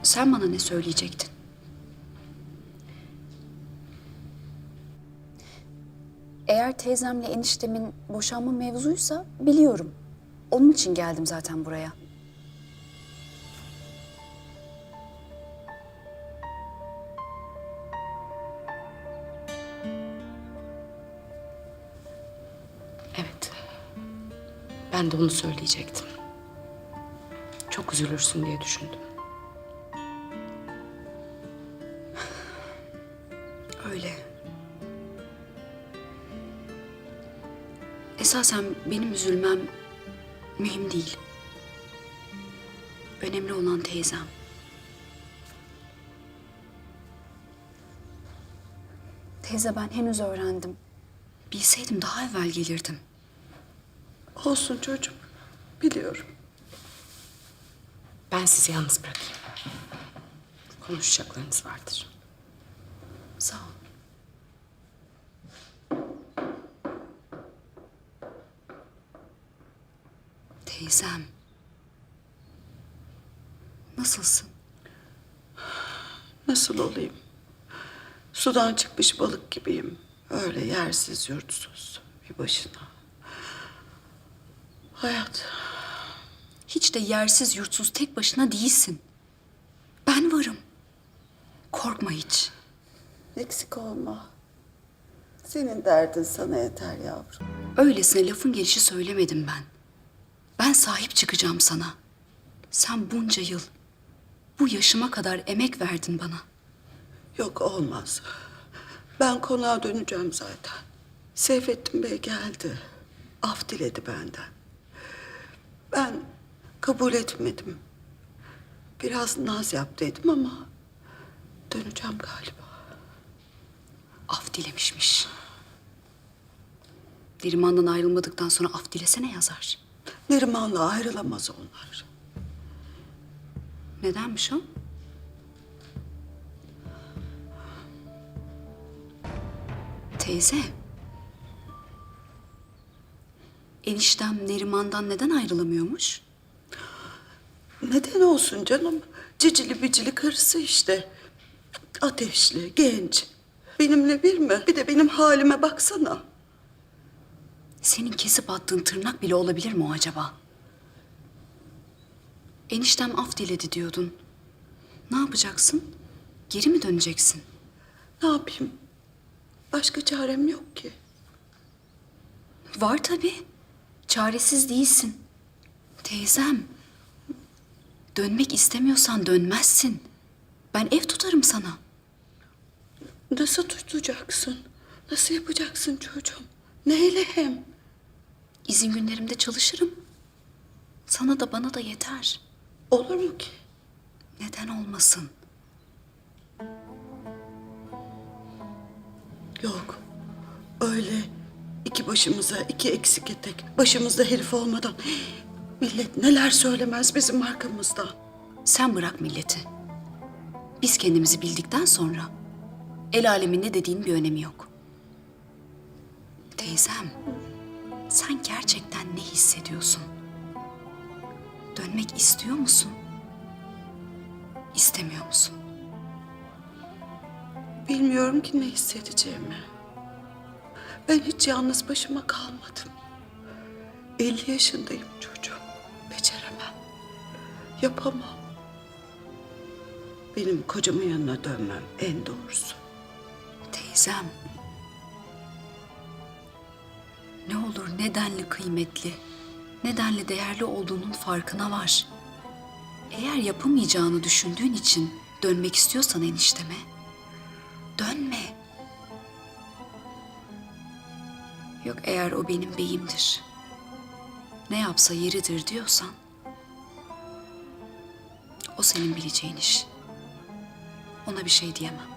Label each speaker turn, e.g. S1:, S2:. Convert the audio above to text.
S1: Sen bana ne söyleyecektin? Eğer teyzemle eniştemin boşanma mevzuysa biliyorum. Onun için geldim zaten buraya. Evet. Ben de onu söyleyecektim. Çok üzülürsün diye düşündüm. Öyle. Esasen benim üzülmem mühim değil. Önemli olan teyzem. Teyze, ben henüz öğrendim. Bilseydim daha evvel gelirdim.
S2: Olsun çocuğum. Biliyorum.
S1: Ben sizi yalnız bırakayım. Konuşacaklarınız vardır. Sağ ol. Teyzem. Nasılsın?
S2: Nasıl olayım? Sudan çıkmış balık gibiyim. Öyle yersiz yurtsuz bir başına. Hayat.
S1: Hiç de yersiz yurtsuz tek başına değilsin. Ben varım. Korkma hiç.
S2: Eksik olma. Senin derdin sana yeter yavrum.
S1: Öylesine lafın gelişi söylemedim ben. Ben sahip çıkacağım sana. Sen bunca yıl, bu yaşıma kadar emek verdin bana.
S2: Yok olmaz. Ben konağa döneceğim zaten. Seyfettin Bey geldi. Af diledi benden. Ben kabul etmedim. Biraz naz yaptıydım ama döneceğim galiba.
S1: Af dilemişmiş. Neriman'dan ayrılmadıktan sonra af dilesene yazar.
S2: Neriman'la ayrılamaz onlar.
S1: Nedenmiş o? Teyze. Eniştem Neriman'dan neden ayrılamıyormuş?
S2: Neden olsun canım? Cicili bicili karısı işte. Ateşli, genç. Benimle bir mi? Bir de benim halime baksana.
S1: Senin kesip attığın tırnak bile olabilir mi o acaba? Eniştem af diledi diyordun. Ne yapacaksın? Geri mi döneceksin?
S2: Ne yapayım? Başka çarem yok ki.
S1: Var tabii. Çaresiz değilsin. Teyzem. Dönmek istemiyorsan dönmezsin. Ben ev tutarım sana.
S2: Nasıl tutacaksın? Nasıl yapacaksın çocuğum? Neyle hem?
S1: İzin günlerimde çalışırım. Sana da bana da yeter.
S2: Olur mu ki?
S1: Neden olmasın?
S2: Yok. Öyle iki başımıza iki eksik etek. Başımızda herif olmadan. Millet neler söylemez bizim arkamızdan.
S1: Sen bırak milleti. Biz kendimizi bildikten sonra el alemin ne dediğinin bir önemi yok. Teyzem, sen gerçekten ne hissediyorsun? Dönmek istiyor musun? İstemiyor musun?
S2: Bilmiyorum ki ne hissedeceğimi. Ben hiç yalnız başıma kalmadım. 50 yaşındayım çocuğum. Beceremem. Yapamam. Benim kocamın yanına dönmem en doğrusu.
S1: Teyzem. Ne olur nedenli kıymetli, nedenli değerli olduğunun farkına var. Eğer yapamayacağını düşündüğün için dönmek istiyorsan enişteme, dönme. Yok eğer o benim beyimdir, ne yapsa yeridir diyorsan, o senin bileceğin iş. Ona bir şey diyemem.